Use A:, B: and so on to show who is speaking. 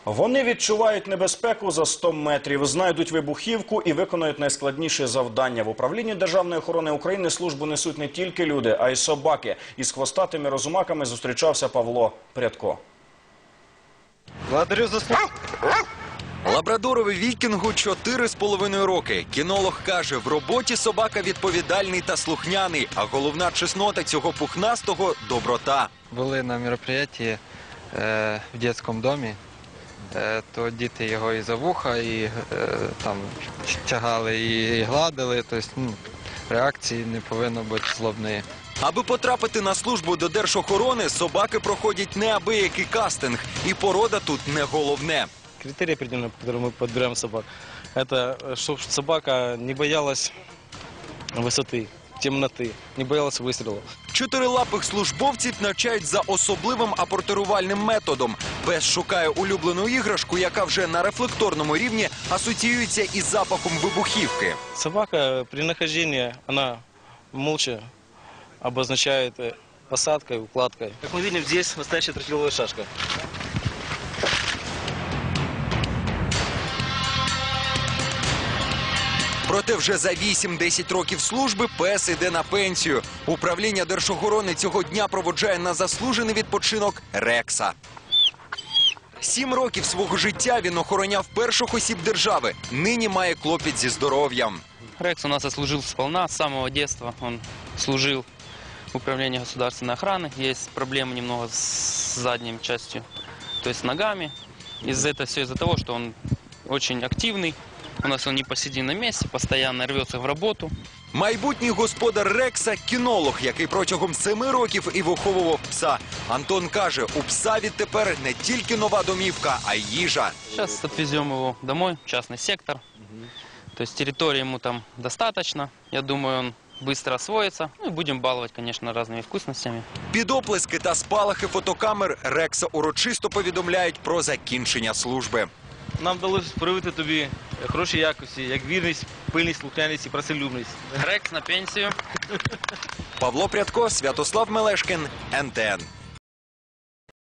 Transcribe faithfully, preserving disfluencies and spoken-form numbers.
A: Вони відчувають небезпеку за сто метрів, знайдуть вибухівку і виконають найскладніші завдання. В управлінні Державної охорони України службу несуть не тільки люди, а й собаки. Із хвостатими розумаками зустрічався Павло Прядко.
B: Благодарю за службу.
C: Лабрадорові вікінгу чотири з половиною роки. Кінолог каже, в роботі собака відповідальний та слухняний, а головна чеснота цього пухнастого – доброта.
B: Були на мероприятии е, в дитячому домі, е, то діти його і за вуха, і е, там тягали, і, і гладили. Тобто, ну, реакції не повинно бути злобної.
C: Аби потрапити на службу до Держохорони, собаки проходять неабиякий кастинг. І порода тут не головне.
D: Критерии определенные, по которым мы подбираем собак, это чтобы собака не боялась высоты, темноты, не боялась выстрелов.
C: Чотирилапих службовців навчають за особливим апортирувальним методом. Пес шукає улюблену іграшку, яка вже на рефлекторному рівні асоціюється із запахом вибухівки.
D: Собака при нахождении, она молча обозначает посадкой, укладкой. Как мы видим, здесь настоящая тротиловая шашка.
C: Проте вже за вісім-десять років служби пес іде на пенсію. Управління Держохорони цього дня проводжає на заслужений відпочинок Рекса. Сім років свого життя він охороняв перших осіб держави. Нині має клопіт зі здоров'ям.
E: Рекс у нас отслужил сполна, с самого детства он служил в управлении государственной охраны. Есть проблемы немного с задней частью, то есть с ногами. Из-за этого все из-за того, что он очень активный. У нас он не посидит на месте, постоянно рвется в роботу.
C: Майбутній господар Рекса – кінолог, який протягом семи років і виховував пса. Антон каже, у пса відтепер не тільки нова домівка, а й їжа.
E: Сейчас отвезем его домой, в частный сектор. То есть территории ему там достаточно. Я думаю, он быстро освоится. Ну и будем баловать, конечно, разными вкусностями.
C: Під оплески та спалахи фотокамер Рекса урочисто повідомляють про закінчення служби.
D: Нам вдалося привити тобі хороші якості, як вірність, пильність, слухняність і працелюбність.
E: Рекс на пенсію.
C: Павло Прядко, Святослав Мелешкін, ен те ен.